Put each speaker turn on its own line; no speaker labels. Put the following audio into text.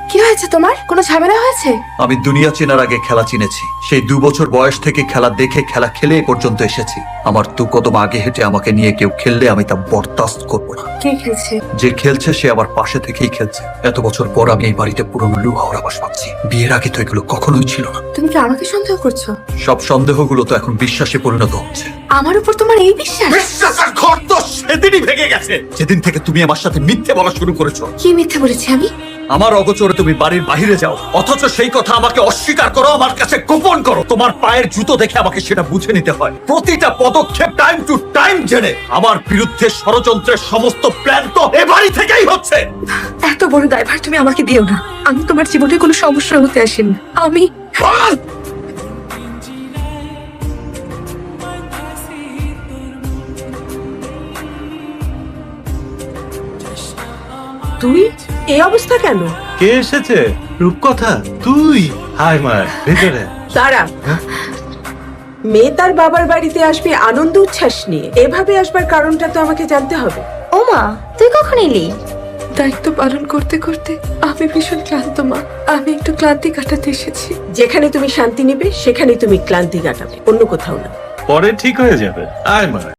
কি হয়েছে তোমার? কোনো ঝামেলা হয়েছে?
আমি দুনিয়া চেনার আগে খেলা চিনেছি। সেই 2 বছর বয়স থেকে খেলা দেখে খেলা খেলে এ পর্যন্ত এসেছি। আমার 2 কদম আগে হেঁটে আমাকে নিয়ে কেউ খেললে আমি তা বরদাস্ত করবো না।
কে খেলছে?
যে খেলছে সে আমার পাশে থেকেই খেলছে। এত বছর পর আমি এই বাড়িতে পুরনো লুহাওয়ার আবাস পাচ্ছি। বিয়ের আগে তো এগুলো কখনোই ছিল না।
তুমি কি আমাকে সন্দেহ করছো?
সব সন্দেহগুলো তো এখন বিশ্বাসে পরিণত হচ্ছে।
আমার উপর তোমার এই বিশ্বাস?
বিশ্বাসের ঘর তো সেদিনই ভেঙে গেছে, যেদিন থেকে তুমি আমার সাথে মিথ্যে বলা শুরু করেছো।
কি মিথ্যে বলেছি আমি?
আমার অগোচরে তুমি বাড়ির বাইরে যাও, অথচ সেই কথা আমাকে অস্বীকার করো, আমার কাছে গোপন করো। তোমার পায়ের জুতো দেখে আমাকে সেটা বুঝে নিতে হয়। প্রতিটা পদক্ষেপ টাইম টু টাইম জেনে আমার বিরুদ্ধে ষড়যন্ত্রের সমস্ত প্ল্যান তো এ বাড়ি থেকেই হচ্ছে।
এত বড় দায়ভার তুমি আমাকে দিও না। আমি তোমার জীবনে কোনো সমস্যা হতে আসিনি। আমি
তুই এই অবস্থা কেন?
কে এসেছে? রূপকথা তুই? হাই মায়, ভিতরে
দাঁড়া। মেয়ে তার বাবার বাড়িতে আসবে আনন্দ উচ্ছ্বাস নিয়ে, এভাবে আসবার কারণটা তো আমাকে জানতে হবে।
ও মা, তুই কখন এলি? দায়িত্ব পালন করতে করতে আমি ভীষণ ক্লান্ত মা। আমি একটু ক্লান্তি কাটাতে এসেছি।
যেখানে তুমি শান্তি নেবে সেখানে তুমি ক্লান্তি কাটাবে, অন্য কোথাও না।
পরে ঠিক হয়ে যাবে। আয় মায়।